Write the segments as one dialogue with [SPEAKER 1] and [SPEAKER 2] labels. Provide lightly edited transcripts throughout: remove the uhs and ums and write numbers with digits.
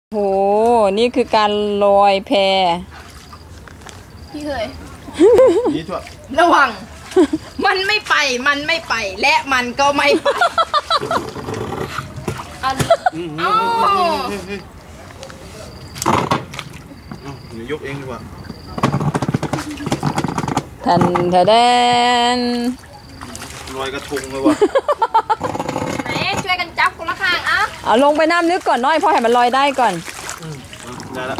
[SPEAKER 1] โหนี่คือการลอยแพ
[SPEAKER 2] พี่เคยนี่ทั่วระวังมันไม่ไปและมันก็ไม่ไป
[SPEAKER 3] ยกเองดีกว่า
[SPEAKER 1] ทันทะแดน
[SPEAKER 3] ลอยกระทงเลยว่ะ
[SPEAKER 2] ไหนช่วยกันจับคนละข้าง
[SPEAKER 1] เอาลงไปน้ำนึกก่อนน้อยพอให้มันลอยได้ก่อน
[SPEAKER 3] ได้แล้ว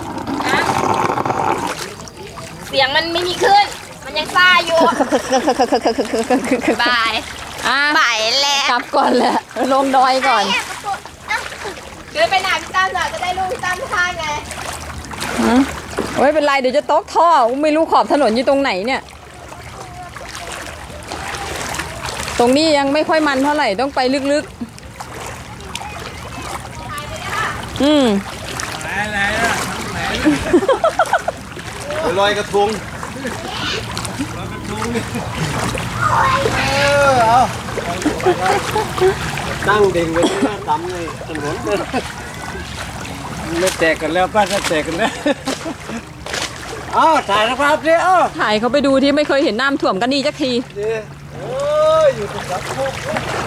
[SPEAKER 2] เสียงมันไม่มีขึ้นมันยังซ่าอยู่บายไปแล้ว
[SPEAKER 1] กลับก่อนแหละลงดอยก่อน
[SPEAKER 2] เดินไปไหนพี่ตั้มจะได้ลูกพี่ตั้มท่าไง
[SPEAKER 1] ไม่เป็นไรเดี๋ยวจะตกท่อไม่รู้ขอบถนนอยู่ตรงไหนเนี่ยตรงนี้ยังไม่ค่อยมันเท่าไหร่ต้องไปลึกๆ
[SPEAKER 3] ลอยกระทงเอาตั้งเด้งไว้ที่หน้าตำเลยถนนไม่แตกกันแล้วป้าจะแตกกันแล้วถ่ายนะครับเดี๋ยว
[SPEAKER 1] ถ่ายเขาไปดูที่ไม่เคยเห็นน้ำท่วมกันดีจักที
[SPEAKER 3] อยู่ตรงนั้น